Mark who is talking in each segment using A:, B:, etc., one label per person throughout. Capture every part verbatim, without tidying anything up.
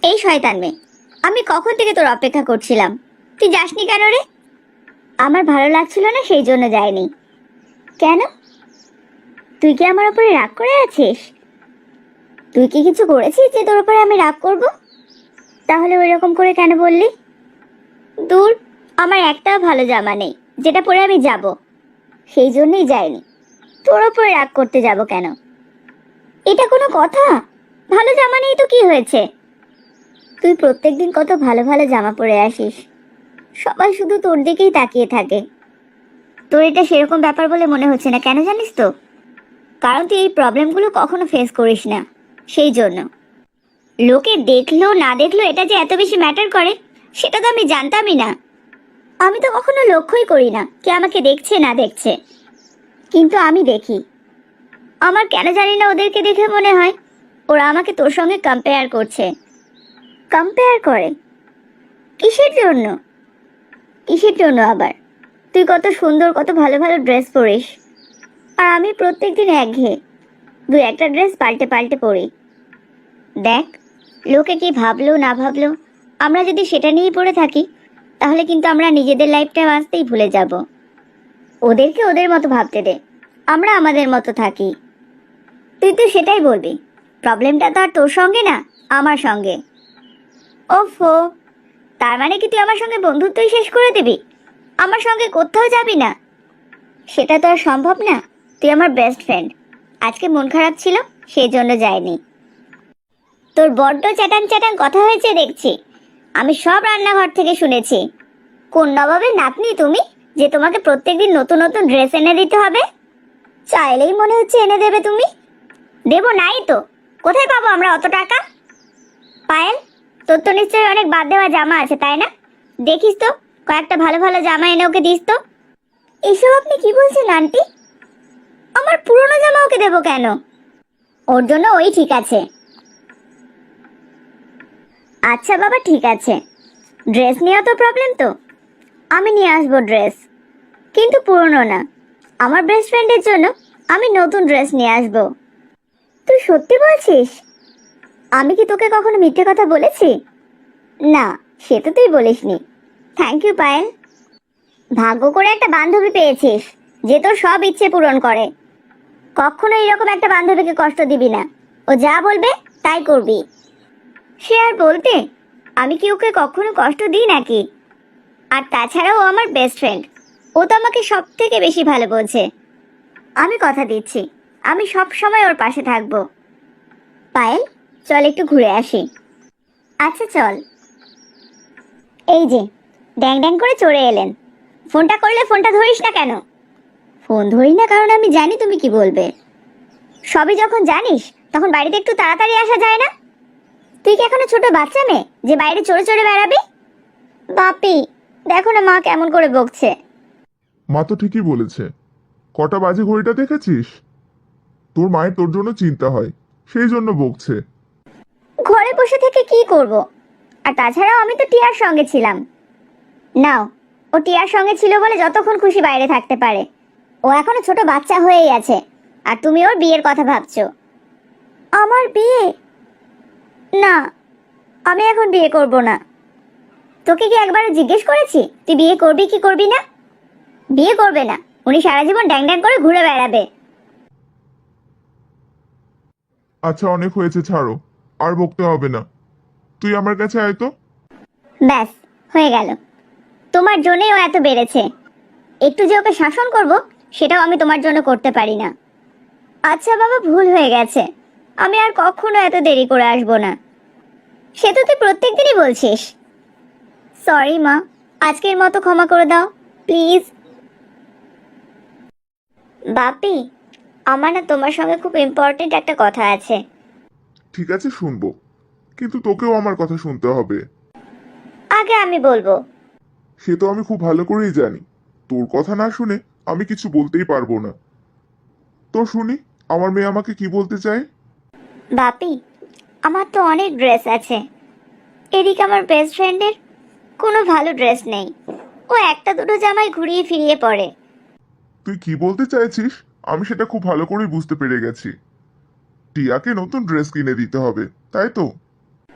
A: এই শয়তান মেয়ে, আমি কখন থেকে তোর অপেক্ষা করছিলাম, তুই যাসনি কেন রে? আমার ভালো লাগছিল না সেই জন্য যাইনি। কেন? তুই কি আমার উপরে রাগ করে আছিস? তুই কি কিছু করেছিস যে তোর উপরে আমি রাগ করব? তাহলে ওই রকম করে কেন বললি? দূর, আমার একটাও ভালো জামা নেই যেটা পরে আমি যাব, সেই জন্যই যাইনি। তোর উপরে রাগ করতে যাব কেন? এটা কোনো কথা? ভালো জামা নেই তো কি হয়েছে? তুই প্রত্যেকদিন কত ভালো ভালো জামা পরে আসিস, সবাই শুধু তোর দিকেই তাকিয়ে থাকে। তোর এটা সেরকম ব্যাপার বলে মনে হচ্ছে না, কেন জানিস তো? কারণ তুই এই প্রবলেমগুলো কখনো ফেস করিস না, সেই জন্য। লোকে দেখলো না দেখলো এটা যে এত বেশি ম্যাটার করে সেটা তো আমি জানতামই না। আমি তো কখনো লক্ষ্যই করি না কে আমাকে দেখছে না দেখছে, কিন্তু আমি দেখি। আমার কেন জানি না ওদেরকে দেখে মনে হয় ওরা আমাকে তোর সঙ্গে কম্পেয়ার করছে। কম্পেয়ার করে? কিসের জন্য? কিসের জন্য আবার? তুই কত সুন্দর, কত ভালো ভালো ড্রেস পরিস, আর আমি প্রত্যেকদিন একঘেয়ে দু একটা ড্রেস পাল্টে পাল্টে পরি। দেখ, লোকে কি ভাবলো না ভাবলো, আমরা যদি সেটা নিয়েই পড়ে থাকি তাহলে কিন্তু আমরা নিজেদের লাইফটা বাঁচতেই ভুলে যাব। ওদেরকে ওদের মতো ভাবতে দে, আমরা আমাদের মতো থাকি। তুই তো সেটাই বলবি, প্রবলেমটা তো আর তোর সঙ্গে না, আমার সঙ্গে। ওফো, তার মানে কি তুই আমার সঙ্গে বন্ধুত্বই শেষ করে দিবি? আমার সঙ্গে কোথাও যাবি না? সেটা তো আর সম্ভব না। তুই আমার বেস্ট ফ্রেন্ড, আজকে মন খারাপ ছিল সেই জন্য যাইনি। তোর বড্ড চ্যাটাং চ্যাটাং কথা হয়েছে দেখছি, আমি সব রান্নাঘর থেকে শুনেছি। কোন নবাবের নাতনি তুমি যে তোমাকে প্রত্যেকদিন নতুন নতুন ড্রেস এনে দিতে হবে? চাইলেই মনে হচ্ছে এনে দেবে তুমি। দেবো নাই তো, কোথায় পাবো আমরা অত টাকা? পায়েল, তোর তো নিশ্চয়ই অনেক বাদ দেওয়া জামা আছে তাই না? দেখিস তো কয়েকটা ভালো ভালো জামা এনে ওকে দিস তো। এসব আপনি কি বলছেন আন্টি? আমার পুরনো জামা ওকে দেবো কেন? ওর জন্য ওই ঠিক আছে। আচ্ছা বাবা, ঠিক আছে, ড্রেস নিয়েও তো প্রবলেম তো, আমি নিয়ে আসবো ড্রেস, কিন্তু পুরনো না। আমার বেস্ট ফ্রেন্ডের জন্য আমি নতুন ড্রেস নিয়ে আসবো। তুই সত্যি বলছিস? আমি কি তোকে কখনো মিথ্যে কথা বলেছি? না, সে তো তুই বলিসনি। থ্যাংক ইউ পায়েল, ভাগ্য করে একটা বান্ধবী পেয়েছিস যে তোর সব ইচ্ছে পূরণ করে। কখনো এরকম একটা বান্ধবীকে কষ্ট দিবি না, ও যা বলবে তাই করবি। সে আর বলতে, আমি কি ওকে কখনো কষ্ট দিই নাকি? আর তাছাড়াও ও আমার বেস্ট ফ্রেন্ড, ও তো আমাকে সব থেকে বেশি ভালো বোঝে। আমি কথা দিচ্ছি, আমি সব সময় ওর পাশে থাকবো। পায়েল, চল একটু ঘুরে আসি। আচ্ছা চল। এই যে, ড্যাং ড্যাং করে চড়ে এলেন, ফোনটা করলে ফোনটা ধরিস না কেন? ফোন ধরি না কারণ আমি জানি তুমি কি বলবে। সবই যখন জানিস তখন বাড়িতে একটু তাড়াতাড়ি আসা যায় না? তুই কি এখনো ছোট বাচ্চা মেয়ে যে বাইরে চড়ে চড়ে বেড়াবি? বাপি, দেখো না মা কেমন করে বকছে।
B: মা তো ঠিকই বলেছে। কটা বাজে ঘড়িটা দেখেছিস? তোর মায়ের তোর জন্য চিন্তা হয়, সেই জন্য বকছে।
A: ঘরে বসে থেকে কি করব? আর তাছাড়াও আমি তো টিয়ার সঙ্গে ছিলাম। নাও, ও টিয়ার সঙ্গে ছিল বলে যতক্ষণ খুশি বাইরে থাকতে পারে। ও এখনো ছোট বাচ্চা হয়েই আছে, আর তুমি ওর বিয়ের কথা ভাবছো। আমার বিয়ে? না, আমি এখন বিয়ে করব না। তোকে কি একবারও জিজ্ঞেস করেছি তুই বিয়ে করবি কি করবি না? বিয়ে করবে না, উনি সারা জীবন ড্যাং ড্যাং করে ঘুরে বেড়াবে।
B: আচ্ছা, অনেক হয়েছে, ছাড়ো, আর বকতে হবে না। তুই আমার কাছে আয় তো।
A: ব্যাস, হয়ে গেল। তোমার জন্যই ও এত বেড়েছে। একটু যে ওকে শাসন করব সেটাও আমি তোমার জন্য করতে পারি না। আচ্ছা বাবা, ভুল হয়ে গেছে, আমি আর কখনো এত দেরি করে আসবো না। সে তো তুই প্রত্যেক দিনই বলছিস। সরি মা, আজকের মতো ক্ষমা করে দাও প্লিজ। বাপি, আমার না তোমার সঙ্গে খুব ইম্পর্টেন্ট একটা কথা আছে।
B: ঠিক আছে, শুনবো, কিন্তু তোকেও আমার কথা শুনতে হবে।
A: আগে আমি বলবো।
B: সে তো আমি খুব ভালো করেই জানি, তোর কথা না শুনে আমি কিছু বলতেই পারবো না। তো শুনি, আমার মেয়ে আমাকে কি বলতে চায়।
A: বাপি, আমার তো অনেক ড্রেস আছে, এদিকে আমার বেস্ট ফ্রেন্ডের কোনো ভালো ড্রেস নেই। ও একটা দুটো জামাই ঘুরিয়ে ফিরিয়ে পরে।
B: তুই কি বলতে চাইছিস আমি সেটা খুব ভালো করেই বুঝতে পেরে গেছি। টিয়াকে নতুন ড্রেস কিনে দিতে হবে, তাই তো?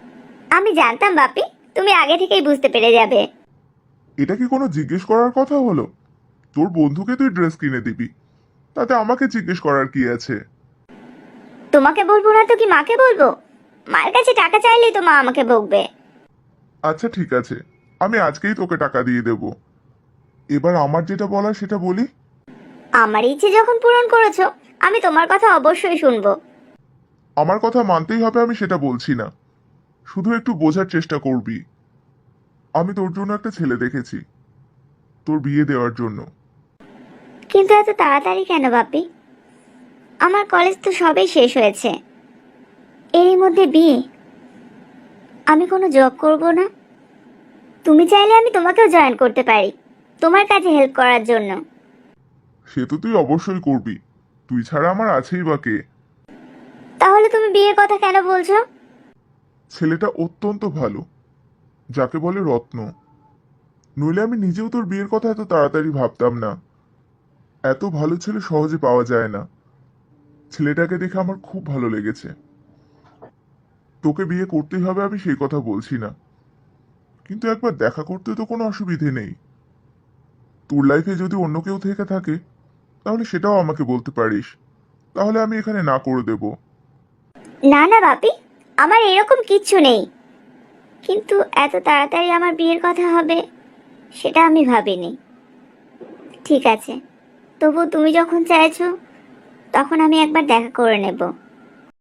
A: আমি জানতাম বাপি, তুমি আগে থেকেই বুঝতে পেরে যাবে।
B: এটা কি কোনো জিজ্ঞেস করার কথা হলো? তোর বন্ধুকে তুই ড্রেস কিনে দিবি, তাতে আমাকে জিজ্ঞেস করার কি আছে?
A: তোমাকে বলবো না তো কি মাকে বলবো? মায়ের কাছে টাকা চাইলেই তো মা আমাকে বকবে।
B: আচ্ছা ঠিক আছে, আমি আজকেই তোকে টাকা দিয়ে দেব। এবার আমার যেটা বলার সেটা বলি।
A: আমার ইচ্ছে যখন পূরণ করেছো, আমি তোমার কথা অবশ্যই শুনবো।
B: আমার কথা মানতেই হবে আমি সেটা বলছি না, শুধু একটু বোঝার চেষ্টা করবি। আমি তোর জন্য একটা ছেলে দেখেছি, তোর বিয়ে দেওয়ার জন্য।
A: কিন্তু এত তাড়াতাড়ি কেন বাপি? আমার কলেজ তো সবেই শেষ হয়েছে, এরই মধ্যে বিয়ে? আমি কোনো জব করব না? তুমি চাইলে আমি তোমাকেও জয়েন করতে পারি, তোমার কাজে হেল্প করার জন্য।
B: সে তো তুই অবশ্যই করবি, তুই ছাড়া আমার আছেই বা কে?
A: তাহলে তুমি বিয়ের কথা কেন বলছো?
B: ছেলেটা অত্যন্ত ভালো, যাকে বলে রত্ন। নইলে আমি নিজেও তোর বিয়ের কথা এত তাড়াতাড়ি ভাবতাম না। এত ভালো ছেলে সহজে পাওয়া যায় না। ছেলেটাকে দেখে আমার খুব ভালো লেগেছে। তোকে বিয়ে করতেই হবে আমি সেই কথা বলছি না, কিন্তু একবার দেখা করতে তো কোনো অসুবিধে নেই। তোর লাইফে যদি অন্য কেউ থেকে থাকে তাহলে সেটাও আমাকে বলতে পারিস, তাহলে আমি এখানে না করে দেব।
A: না না বাপি, আমার এরকম কিচ্ছু নেই, কিন্তু এত তাড়াতাড়ি আমার বিয়ের কথা হবে সেটা আমি ভাবিনি। ঠিক আছে, তবু তুমি যখন চাইছো তখন আমি একবার দেখা করে নেব।